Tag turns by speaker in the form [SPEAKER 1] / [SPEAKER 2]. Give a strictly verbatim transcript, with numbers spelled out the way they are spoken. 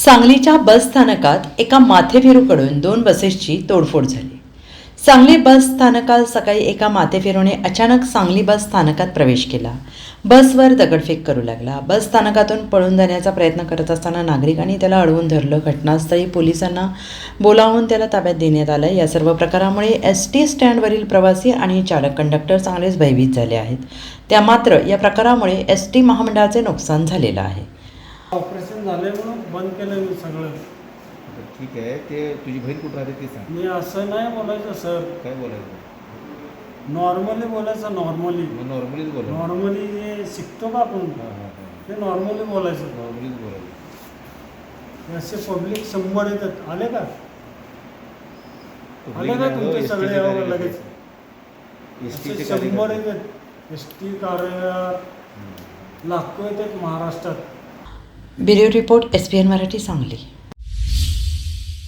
[SPEAKER 1] सांगलीच्या बस स्थानकात एका माथेफिरूकडून दोन बसेसची तोडफोड झाली। सांगली बस स्थानकात सकाळी एका माथेफिरूने अचानक सांगली बस स्थानकात प्रवेश केला। बसवर दगडफेक करू लागला। बस स्थानकातून पळून जाण्याचा प्रयत्न करत असताना नागरिकांनी त्याला अडवून धरलं। घटनास्थळी पोलिसांना बोलावून त्याला ताब्यात देण्यात आलं। या सर्व प्रकारामुळे एस टी स्टँडवरील प्रवासी आणि चालक कंडक्टर चांगलेच भयभीत झाले आहेत। त्या मात्र या प्रकारामुळे एस टी महामंडळाचे नुकसान झालेलं आहे।
[SPEAKER 2] ऑपरेशन झाले म्हणून बंद केलं मी सगळं।
[SPEAKER 3] ठीक आहे, ते तुझी बहीण कुठं राहते ते सांग।
[SPEAKER 2] मी असं नाही बोलायचं सर,
[SPEAKER 3] काय बोलायचं?
[SPEAKER 2] नॉर्मली बोलायचं। नॉर्मली
[SPEAKER 3] मग नॉर्मलीच बोला।
[SPEAKER 2] नॉर्मली जे शिकतो का आपण
[SPEAKER 3] हां हां हां
[SPEAKER 2] ते नॉर्मली बोलायचं।
[SPEAKER 3] नॉर्मलीच बोलायचं।
[SPEAKER 2] असे पब्लिक शंभर येतात। आले का आले
[SPEAKER 3] Public
[SPEAKER 2] का
[SPEAKER 3] नाही हो,
[SPEAKER 2] तुमचे
[SPEAKER 3] एस टीचे
[SPEAKER 2] सगळे यावं
[SPEAKER 3] कार्यकर्ते.
[SPEAKER 2] लगेच?
[SPEAKER 3] एस
[SPEAKER 2] असे
[SPEAKER 3] टीचे
[SPEAKER 2] शंभर
[SPEAKER 3] कार्यकर्ते.
[SPEAKER 2] येतात। एस टी कार्य लाखो येतात महाराष्ट्रात।
[SPEAKER 1] Bureau report S P N Marathi Sangli.